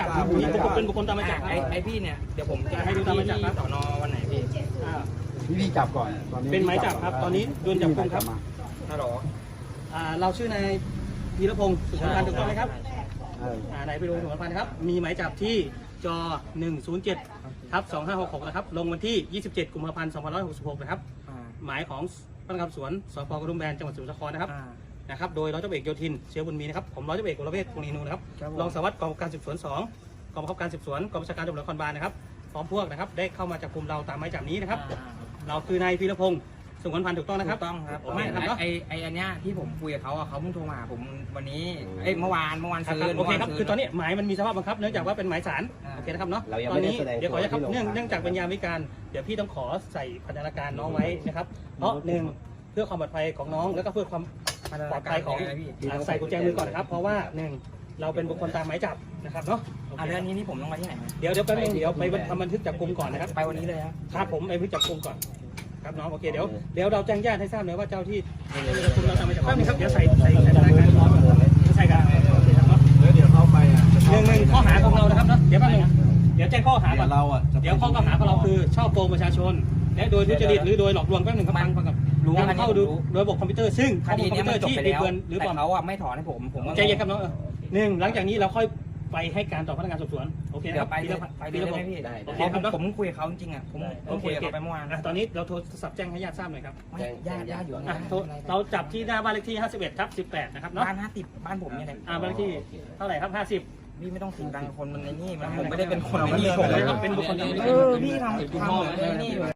จับนี่ผมเป็นบุคคลตามหมายจับไอพี่เนี่ยเดี๋ยวผมจะให้ดูตามหมายจับสอนอวันไหนพี่พี่จับก่อนตอนนี้เป็นหมายจับครับตอนนี้โดนจับกุมครับฮัลโหลเราชื่อนายธีรพงศ์สุขพันธ์ถูกต้องไหมครับนายธีรพงศ์สุขพันธ์ครับมีหมายจับที่จ107/2566นะครับลงวันที่27 กุมภาพันธ์ 2566นะครับหมายของพนักงานสวนสพกระดุมแบนจังหวัดสมุทรสาครนะครับโดยร้อยตำรวจเอกโยธินเชื้อบุญมีนะครับผมร้อยตำรวจเอกวรเวชพงษ์นีนูนะครับรองสารวัตรกองการสืบสวน2กองบังคับการสืบสวนกองบัญชาการตำรวจนครบาลนะครับพร้อมพวกนะครับได้เข้ามาจับกุมเราตามหมายจับนี้นะครับเราคือนายพีรพงศ์สุขพันธ์ถูกต้องนะครับถูกต้องครับไม่ครับไออันเนี้ยที่ผมคุยกับเขาเขาเพิ่งโทรมาผมวันนี้เมื่อวานซื้อโอเคครับคือตอนนี้หมายมันมีสภาพบังคับเนื่องจากว่าเป็นหมายศาลโอเคนะครับเนาะตอนนี้เดี๋ยวขอจะครับเนื่องจากเป็นยามวิการเดี๋ยวพี่ต้องขอใส่พันธนาการน้องไว้นะครับเพราะ1เพื่อความปลอดภัยของน้องแล้วก็เพื่อความปลอดภัยของใส่กุญแจมือก่อนนะครับเพราะว่า1เราเป็นบุคคลตามหมายจับนะครับเนาะเรื่องนี้นี่ผมต้องไปที่ไหนเดี๋ยวแป๊บนึงเดี๋ยวไปทำบันทึกจับกุมก่อนนะครับไปวันนี้เลยครับผมไปบันทึกจับกุมก่อนครับน้องโอเคเดี๋ยวเราแจ้งญาติให้ทราบเลยว่าเจ้าที่คุณเราทำมาจากแป๊บนึงครับเดี๋ยวใส่รายการพร้อมใส่กันโอเคครับเนาะเดี๋ยวเข้าไป 1ข้อหาของเรานะครับเนาะเดี๋ยวแป๊บนึงเดี๋ยวแจ้งข้อหาก่อนเดี๋ยวข้อกล่าวหาของเราคือช่อโกงประชาชนและโดยทุจริตหรือโดยหลอกลวงแป๊บนึงครับฟังกับนำเข้าดูโดยระบบคอมพิวเตอร์ซึ่งคดีนี้มันจบไปแล้วหรือเปล่าเขาไม่ถอนให้ผมใจเย็นครับน้องหลังจากนี้เราค่อยไปให้การต่อพนักงานสอบสวนโอเคครับไปได้ไหมพี่ได้โอเคครับผมคุยกับเขาจริงๆผมคุยกับเขาไปเมื่อวานตอนนี้เราโทรศัพท์แจ้งให้ญาติทราบหน่อยครับญาติอยู่เราจับที่หน้าบ้านเลขที่51/18นะครับเนาะบ้าน50บ้านผมเนี่ยบ้านเลขที่เท่าไหร่ครับ50พี่ไม่ต้องสิงดังคนมันในนี่ผมไม่ได้เป็นคนในนี่ผมเป็นบุคคลพี่ทำในนี่